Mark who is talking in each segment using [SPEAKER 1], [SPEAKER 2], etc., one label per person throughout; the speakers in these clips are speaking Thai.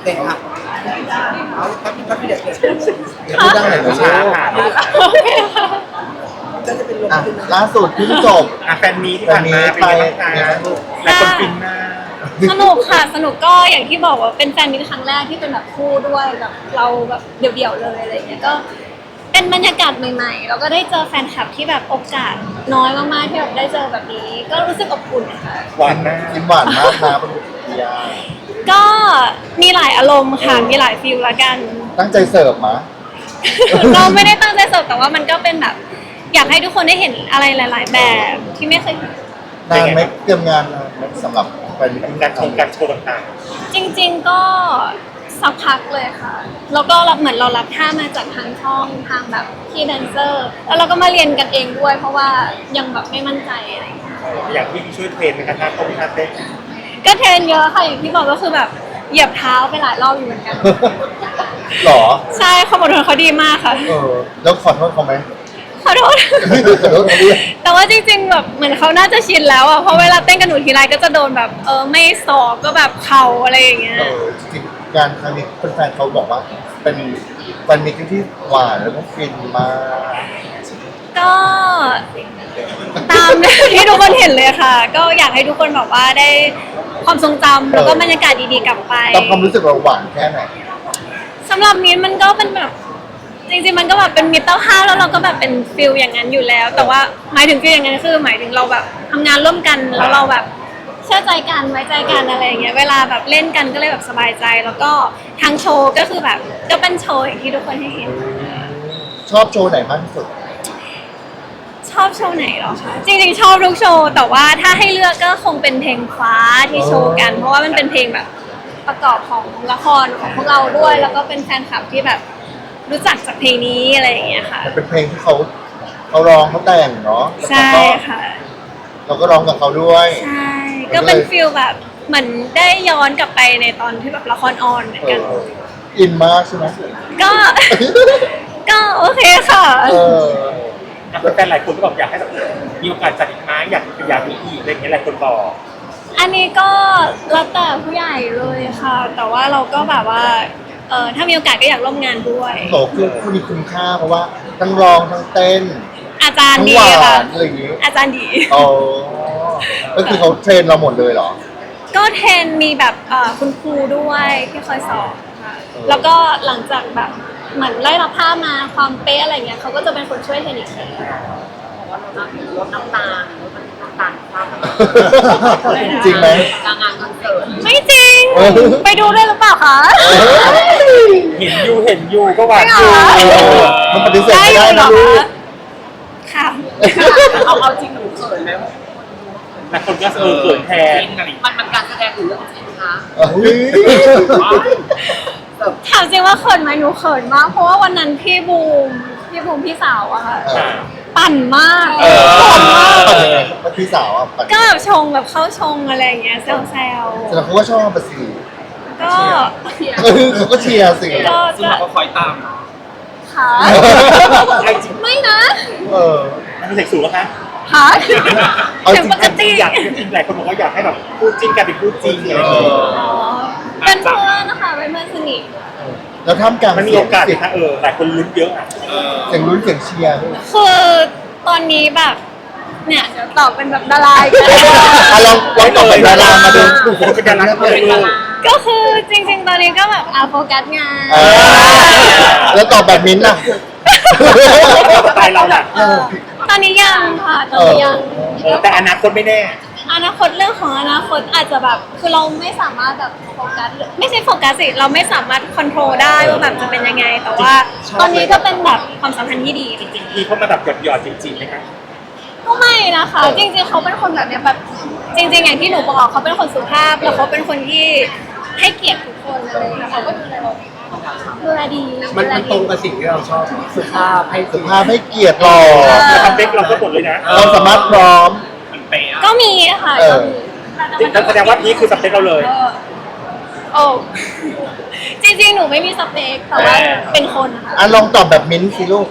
[SPEAKER 1] เด็กอ่ะเอาครับพี่เด็กเลย
[SPEAKER 2] พูดได้ไหนก็ช้าค่ะ
[SPEAKER 3] โอเคค่ะ
[SPEAKER 1] ก็จะเป็นลม
[SPEAKER 2] อ่ะ
[SPEAKER 1] ขึ้นนะ
[SPEAKER 2] ล่าสุดเพิ่งจบ
[SPEAKER 4] แฟนมีที่ผ่านมาเป็นยังไงบ้างคะหลายคนฟินมาก
[SPEAKER 3] สนุกค่ะสนุกก็อย่างที่บอกว่าเป็นแฟนมิตรครั้งแรกที่เป็นแบบคู่ด้วยแบบเราแบบเดี่ยวๆเลยอะไรเงี้ยก็เป็นบรรยากาศใหม่ๆแล้วก็ได้เจอแฟนคลับที่แบบโอกาสน้อยมากๆที่แบบได้เจอแบบนี้ ก็รู้สึกอบอุ่นค่ะ
[SPEAKER 4] หวานมาก
[SPEAKER 2] ยิ้มหวานมากนะคุณพิยา
[SPEAKER 3] ก็มีหลายอารมณ์ค่ะมีหลายฟีลละกัน
[SPEAKER 2] ตั้งใจเสิร์ฟมา
[SPEAKER 3] เราไม่ได้ตั้งใจเสิร์ฟแต่ว่ามันก็เป็นแบบอยากให้ทุกคนได้เห็นอะไรหลาย ๆ แบบที่ไม่เคยเห็น
[SPEAKER 2] นานไหมเตรียมงานนานไหมสำหรับไปมิตติ้ง
[SPEAKER 4] การโชว์ต่าง
[SPEAKER 3] จริง ๆก็สักพักเลยค่ะแล้วก็เหมือนเรารับท่ามาจากทางช่องทางแบบพี่แดนเซอร์ แล้วเราก็มาเรียนกันเองด้วย เพราะว่ายังแบบไม่มั่นใจอะไรอย่างเงี้ย
[SPEAKER 4] ๆอย่างที่ช่วยเทรนในการท่าเต้นท่าเต้น
[SPEAKER 3] ก็เทรนเยอะค่ะอย่างที่บอกก็คือแบบเหยียบเท้าไปหลายรอบอยู่เหมือนกัน
[SPEAKER 2] หรอ
[SPEAKER 3] ใช่ความอดทนเขาดีมากค่ะ
[SPEAKER 2] แล้วขอโทษเขาไหม
[SPEAKER 3] ขอโทษ
[SPEAKER 2] ขอโทษเขาด้วย
[SPEAKER 3] แต่ว่าจริงๆแบบเหมือนเขาน่าจะชินแล้วอ่ะเพราะเวลาเต้นกับหนูทีไรก็จะโดนแบบไม่ศอกก็แบบเข่าอะไรอย่างเงี้ย
[SPEAKER 2] จริงๆงานครั้งนี้แฟนๆเขาบอกว่าเป็นแฟนมิตติ้งที่หวานแล้วก็ฟินมาก
[SPEAKER 3] ก็ตามที่ทุกคนเห็นเลยค่ะ ก็อยากให้ทุกคนแบบว่าได้ความทรงจำแล้วก็บรรยากาศดีๆกลับไป
[SPEAKER 2] ตามความรู้สึกเราหวานแค่ไหน
[SPEAKER 3] สำหรับมิ้นท์มันก็เป็นแบบจริงๆมันก็แบบเป็นมิตรภาพแล้วเราก็แบบเป็นฟิลอย่างนั้นอยู่แล้ว แต่ว่าหมายถึงฟิลอย่างนั้นคือหมายถึงเราแบบทำงานร่วมกันแล้วเราแบบเชื่อใจกันไว้ใจกันอะไรอย่างเงี้ยเวลาแบบเล่นกันก็เลยแบบสบายใจ แล้วก็ทางโชว์ก็คือแบบก็เป็นโชว์อย่างที่ทุกคนให้เห็น
[SPEAKER 2] ชอบโชว์ไหนมากที่สุด
[SPEAKER 3] ชอบโชว์ไหนเหรอคะจริงๆชอบทุกโชว์แต่ว่าถ้าให้เลือกก็คงเป็นเพลงฟ้าที่โชว์กัน เพราะว่ามันเป็นเพลงแบบประกอบของละครของพวกเราด้วย แล้วก็เป็นแฟนคลับที่แบบรู้จักจากเพลงนี้อะไรอย่างเงี้ยค่ะ
[SPEAKER 2] มันเป็นเพลงที่เขาร้องเขาแต่งเนาะ
[SPEAKER 3] ใช่ค่ะ
[SPEAKER 2] เราก็ร้องกับเขาด้วย
[SPEAKER 3] ใช่ก็เป็นฟิลแบบเหมือนได้ย้อนกลับไปในตอนที่แบบละครออนเหมือนกัน
[SPEAKER 2] อินมากใช่ไหม
[SPEAKER 3] ก็ ก็โอเคค่ะ
[SPEAKER 4] แฟนหลายคนก็บอกอยากให้แบบมีโอกาสจัดอีกไหมอยากมีอีกอะไรอย่างเงี้ยหลายคนบอก
[SPEAKER 3] อันนี้ก็แล้วแต่ผู้ใหญ่เลยค่ะ แต่ว่าเราก็แบบว่าถ้ามีโอกาสก็อยากร่วมงานด้วย
[SPEAKER 2] โตคือคุณมีคุณค่าเพราะว่าทั้งร้องทั้งเต้น
[SPEAKER 3] อาจารย์
[SPEAKER 2] ทั้ง
[SPEAKER 3] ดี
[SPEAKER 2] หวา
[SPEAKER 3] ค่ะ
[SPEAKER 2] นอะไรอย่างงี้
[SPEAKER 3] อาจารย์ดี
[SPEAKER 2] อ๋อก็คือเขาเทรนเราหมดเลยเหรอ
[SPEAKER 3] ก็เทรนมีแบบคุณครูด้วยที่คอยสอนค่ะแล้วก็หลังจากแบบเหมือนไล่รับผ้ามาความเป๊ะอะไรเงี้ยเขาก็จะเป็นคนช่วยเทรนอีกที
[SPEAKER 5] ลดน้ำตาลลดน้ำตาลความ
[SPEAKER 2] จริงไหม
[SPEAKER 5] กลางงานคอนเสิร์ต
[SPEAKER 3] ไม่จริง
[SPEAKER 2] เออ
[SPEAKER 3] ไปดูด้วยหรือเปล่าคะ
[SPEAKER 4] เห็นอยู่ก็หวานอยู่
[SPEAKER 2] มันปฏิเสธ
[SPEAKER 3] ได้
[SPEAKER 2] ไม่
[SPEAKER 3] อ
[SPEAKER 2] ได้
[SPEAKER 3] ยู่เหร
[SPEAKER 2] นะ
[SPEAKER 3] อ
[SPEAKER 2] ลูก
[SPEAKER 3] คะค่ะ
[SPEAKER 5] เอาจริงหนูเขินไหม
[SPEAKER 4] หลายคนก็เขินแทน
[SPEAKER 5] มันการแสดงหรือเรื่องจริงคะ
[SPEAKER 2] เฮ้ย
[SPEAKER 3] ถามจริงว่าเขินไหมหนูเขินมาก เพราะว่าวันนั้นพี่บูมพี่สาวอะค่ะ ปั่นมาก ปั่นมาก
[SPEAKER 2] ปั่นยังไงครับพี่สาวอ่ะปั่น
[SPEAKER 3] ก็แบบชงแบบเข้าชงอะไรอย่างเงี้ยแซว
[SPEAKER 2] แสดงเขาก็ชอบประสิ
[SPEAKER 3] ๆก็
[SPEAKER 2] เขาก็เชียร์สิ
[SPEAKER 3] ก็
[SPEAKER 5] ซึ่งเราก็คอยตาม
[SPEAKER 3] ค่ะไม่นะ
[SPEAKER 2] เออ
[SPEAKER 4] มันเป็นเสกสูงแล้วคะ
[SPEAKER 3] ค่ะ
[SPEAKER 2] เอาจริ
[SPEAKER 3] ถึ
[SPEAKER 2] ง
[SPEAKER 3] งปกติ
[SPEAKER 4] อยากจริงหลายคนบอกว่าอยากให้แบบพูดจริงกันเป็นพูดจริงอะไรอย่างเงี้ย
[SPEAKER 3] อ๋อเป็นเพื่อนนะคะเป็นเพื่อนสนิท
[SPEAKER 2] แล้วท่ามกลาง
[SPEAKER 4] มันมี
[SPEAKER 2] เสีย
[SPEAKER 4] โอง กาส
[SPEAKER 2] เสียง
[SPEAKER 4] นะหลายคนลุ้นเยอะอ่ะ
[SPEAKER 2] เสียงลุ้นเสียงเชียร์
[SPEAKER 3] คือตอนนี้แบบเนี่ยเดี๋ยวตอบเป็นแบบดาราอีกแล้ว
[SPEAKER 2] ลองตอบเป็นดารามาดู
[SPEAKER 4] เป็นดาราเลย
[SPEAKER 3] ก็คือจริงๆ ตอนนี้ก็แบบโฟกัสงาน
[SPEAKER 2] แล้วตอบแบบมิ้นท์ล่ะ
[SPEAKER 4] สไตล์เราแหละ
[SPEAKER 3] ตอนนี้ยังค่ะตอนนี้ยัง
[SPEAKER 4] แต่อนาคตไม่แน่
[SPEAKER 3] อนาคตเรื่องของอนาคตอาจจะแบบคือเราไม่สามารถแบบโฟกัสไม่ใช่โฟกัสสิเราไม่สามารถคอนโทรลได้ว่าแบบจะเป็นยังไง แต่ว่าตอนนี้ก็เป็นแบบความสัมพันธ์ที่ดี
[SPEAKER 4] จริงๆพี่เขามาแบบหยอดจริงๆไหมคะ
[SPEAKER 3] ก็ไม่นะคะ จริงๆเขาเป็นคนแบบเนี้ยแบบจริง ๆ อย่างที่หนูบอกเขาเป็นคนสุภาพแล้วเขาเป็นคนที่ให้เกียรติทุกคนเลยแล้วเขาก็ดูแลเราดูแลดี
[SPEAKER 1] มันตรงกับสิ่งที่เราชอบสุภาพให้
[SPEAKER 2] สุภาพให้เกียรติหล่อ
[SPEAKER 4] แต่ทำเด็กเราก็หมดเลยนะ
[SPEAKER 2] เราสามารถพร้อม
[SPEAKER 3] ก็มีค่ะก็มี
[SPEAKER 4] แสดงว่านี่คือสเปคเราเลย
[SPEAKER 3] โอ้จริงๆหนูไม่มีสเปคแต่ว่าเป็นคนค่ะ
[SPEAKER 2] ลองตอบแบบมิ้นท์สิลูก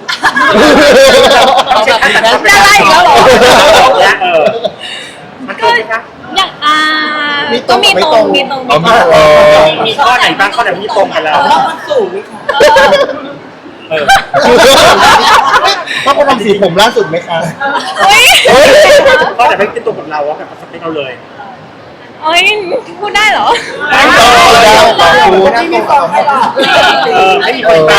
[SPEAKER 3] ได้อีกแล้วเหรอ
[SPEAKER 4] มันตรงไหมคะ
[SPEAKER 3] ก็อย่าง
[SPEAKER 1] มีตร
[SPEAKER 3] ก็
[SPEAKER 1] ง
[SPEAKER 3] มี
[SPEAKER 1] ไม่
[SPEAKER 3] ต
[SPEAKER 1] ต
[SPEAKER 3] ร
[SPEAKER 1] รง ง
[SPEAKER 3] มีตรง
[SPEAKER 2] เอา
[SPEAKER 3] มี
[SPEAKER 2] มา
[SPEAKER 3] ตรง
[SPEAKER 4] มีข้อไหนบ้างข้อไหนที่ตรงกันแล้ว
[SPEAKER 1] แล้วมันสูงนี่ค่ะ
[SPEAKER 4] เออ
[SPEAKER 2] ต้องไปทำสีผมล่าสุดไหมคะ
[SPEAKER 3] เฮ้ย
[SPEAKER 4] ข้อไหนไม่ตรงกับเราว่าแบบสเปคเราเลย
[SPEAKER 3] เฮ้ยพูดได้เหรอ
[SPEAKER 4] ได้
[SPEAKER 1] ที่มีฟองให้เรา
[SPEAKER 4] ไม่มีคนตาม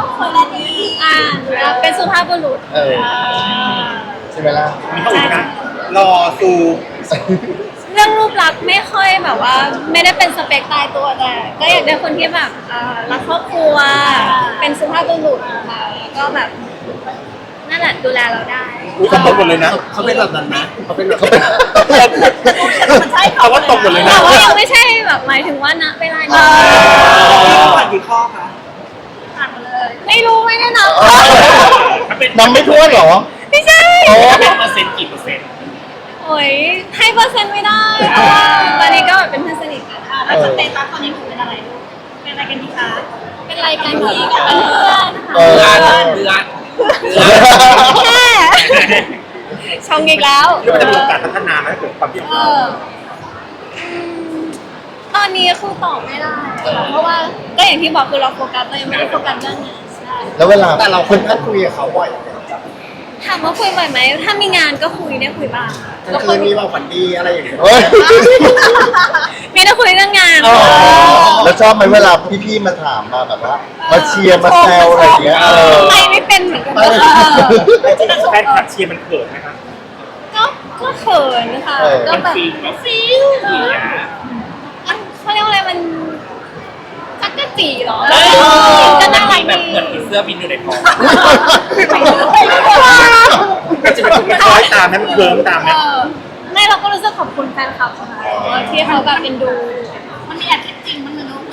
[SPEAKER 3] เป็นสุภาพบุรุษ
[SPEAKER 2] เออใช่ไหมล่ะ
[SPEAKER 4] มีข้ออื่นนะรอซู
[SPEAKER 3] เรื่องรูปลักษณ์ไม่ค่อยแบบว่า ไม่ได้เป็นสเปคตายตัวแต่ก็อยากได้คนที่แบบรักครอบครัว เป็นสุภาพบุรุษค่ะแล้วก็แบบนั่นแหละดูแลเราได้
[SPEAKER 4] อุ้ยตรงหมดเลยนะ
[SPEAKER 1] เขาเป็นแบบนั้นนะเขาเป็นแบบ
[SPEAKER 5] มันใช่
[SPEAKER 4] เอาว่าตรงหมดเลยนะ
[SPEAKER 3] แต่ว่ายังไม่ใช่แบบหมายถึงว่าณเวลานี้
[SPEAKER 1] ผ่านกี่ข้อคะ
[SPEAKER 3] ไม่รู้ไม่ได้นับ
[SPEAKER 2] นำไม่ทั่วเหรอ
[SPEAKER 3] ไม่ใช่
[SPEAKER 2] โอ้
[SPEAKER 4] เป็นเปอร์เซ็นต์กี่เปอร์เซ็นต์
[SPEAKER 3] โอ้ยให้เปอร์เซ็นต์ไม่ได้เพราะว่าตอนนี้ก็แบบเป็นเพื่อนสนิทกัน
[SPEAKER 5] แล้วสเตตัสตอนนี้หนูเป็นอะไรลูกเป็นอะไรกันดีคะ
[SPEAKER 3] เป็นรายการนี้กับเป็นเพื่อน
[SPEAKER 2] เออ
[SPEAKER 3] ค่ะแค่ชงอีกแล้ว
[SPEAKER 4] เรื่องมันจะมีโอกาสพัฒนาไหมเกิดความที่
[SPEAKER 3] ตอนนี้คือตอบไม่ได้ค่ะเพราะว่าก็อย่างที่บอกคือเราโฟกัสเรายังไม่ได้โฟกัสเรื่องงานใช่
[SPEAKER 2] แล้วเวลา
[SPEAKER 1] แต่เราคนท่านคุยกับเขาบ่อย
[SPEAKER 3] ถามว่าคุยบ่อยไหมถ้ามีงานก็คุยได้คุยบ้าง
[SPEAKER 1] ก็เคยมีบอกฝันดีอะไรอย่างเงี้ย
[SPEAKER 2] เฮ้ย
[SPEAKER 3] ไม่ได้คุยเรื่องงาน
[SPEAKER 2] แล้วชอบไหมเวลาพี่ๆมาถามมาแบบว่า มาเชียร์มาแซวอะไรอย่างเงี้ยเออ
[SPEAKER 3] ไม่เป็นเหมือนกัน
[SPEAKER 4] แฟนคลับเชียร์มันเกิดไหมครับ
[SPEAKER 3] ก็เขินค่ะก็แบบฟิลเขาเรียกว่าอะไรมันจักกะจีเหรอก็น่ารักดี
[SPEAKER 4] เสื้อบินอยู่ในท้องก็จะเป็นคล้อยตามนะมันเคิร์มตามนะ
[SPEAKER 3] ไม่เราก็รู้สึกขอบคุณแฟนคลับค่ะที่เขาแบบเป็นดู
[SPEAKER 5] มันมีแอบคิดจริงมันเลยลูก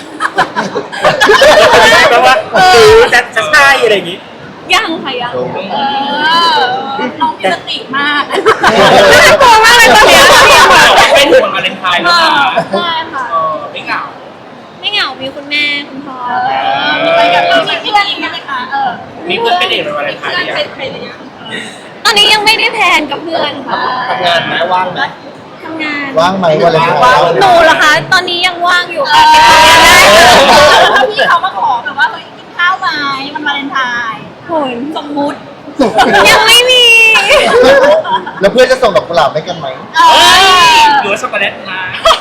[SPEAKER 4] แปลว่าจะใช่อะไรอย่างงี้
[SPEAKER 3] ยังค่ะยัง
[SPEAKER 5] น้องมีสติมาก
[SPEAKER 3] น่ากลัวมากเลยตอนนี้
[SPEAKER 4] เป็นห่วงวาเลนไทน์แล้วนะ
[SPEAKER 3] ใช่ค่ะ
[SPEAKER 4] ไม่เหงา
[SPEAKER 3] ไม่เหงามีคุณแม่คุณพ่อ
[SPEAKER 5] มีไปกับเรามีเพื่อนไหมคะ
[SPEAKER 4] มีเพื่อนไปเดทวาเลนไทน์
[SPEAKER 5] เพื่อน
[SPEAKER 4] ยัง
[SPEAKER 5] เป็นใครเนี่ย
[SPEAKER 3] ตอนนี้ยังไม่ได้แพลนกับเพื่อนค่ะ
[SPEAKER 1] ทำงานไหมว่างไหม
[SPEAKER 3] ทำงาน
[SPEAKER 2] ว่างไหมวันเลย
[SPEAKER 3] หนูเหรอคะตอนนี้ยังว่างอยู่ค่ะ
[SPEAKER 5] ถ้าพี่เขามาขอแบบว่าเฮ้ยกินข้าวไหมมันวาเลนไทน์
[SPEAKER 3] โหย
[SPEAKER 5] สมมุติ
[SPEAKER 3] ยังไม่มี
[SPEAKER 2] แล้วเพื่อนจะส่งดอกกุหลาบให้กันไหม
[SPEAKER 4] หรือว่าช็อกโกแลตมา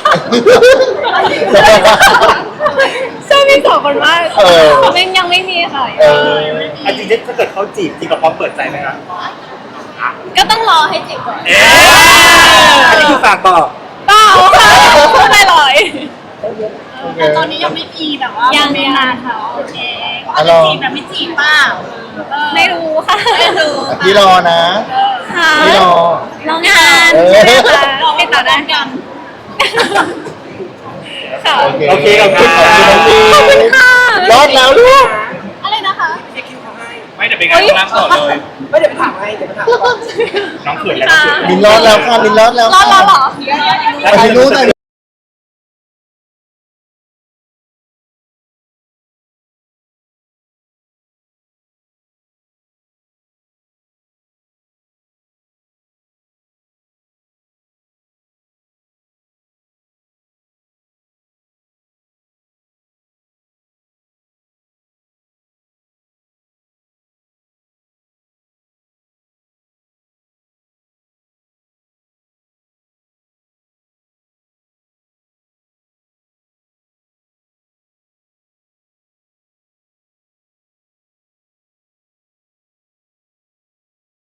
[SPEAKER 3] ใช่พี่สองคนว่า
[SPEAKER 2] เออ
[SPEAKER 3] ยังไม่มีค่ะ
[SPEAKER 2] เออ
[SPEAKER 4] จริงๆถ้าเกิดเขาจีบจริงเราพร้อมเปิดใจไหมครับ
[SPEAKER 3] ก็ต้องรอให้จีบก่อน
[SPEAKER 4] อันนี้คือฝากบอก
[SPEAKER 3] เปล่าค่ะพูดลอย
[SPEAKER 5] แต่ตอนนี้ยังไม่มีแบบว่า
[SPEAKER 3] ยัง
[SPEAKER 5] ไม่นานเขาโอเคอาจจะจีบแบบไม่จีบเปล่า
[SPEAKER 3] ๆไม่รู้ค่ะ
[SPEAKER 5] ไม่รู้
[SPEAKER 2] พี่รอนะ
[SPEAKER 3] ค่ะ
[SPEAKER 2] พี่รอ
[SPEAKER 3] รองานใช่ไหมคะติดต่อได้
[SPEAKER 5] กัน
[SPEAKER 3] ค่ะ
[SPEAKER 2] โอเค
[SPEAKER 4] ขอบคุณ
[SPEAKER 2] ขอบคุณน้อง
[SPEAKER 3] ขอบคุณค่ะ
[SPEAKER 2] รอดแล้วลูก
[SPEAKER 5] อะไรนะคะ
[SPEAKER 4] ไม่เดี๋ยวเป็นการรับต่อเลย
[SPEAKER 1] ไม่เดี๋ยวไปถามให้เดี๋ยวไปถามก่อน
[SPEAKER 4] น้องเขินแล้ว
[SPEAKER 2] มินรอดแล้วค่ะมินรอดแล้ว
[SPEAKER 3] รอ
[SPEAKER 2] ค่ะ
[SPEAKER 3] เหรอ
[SPEAKER 2] ไปรู้หน่อย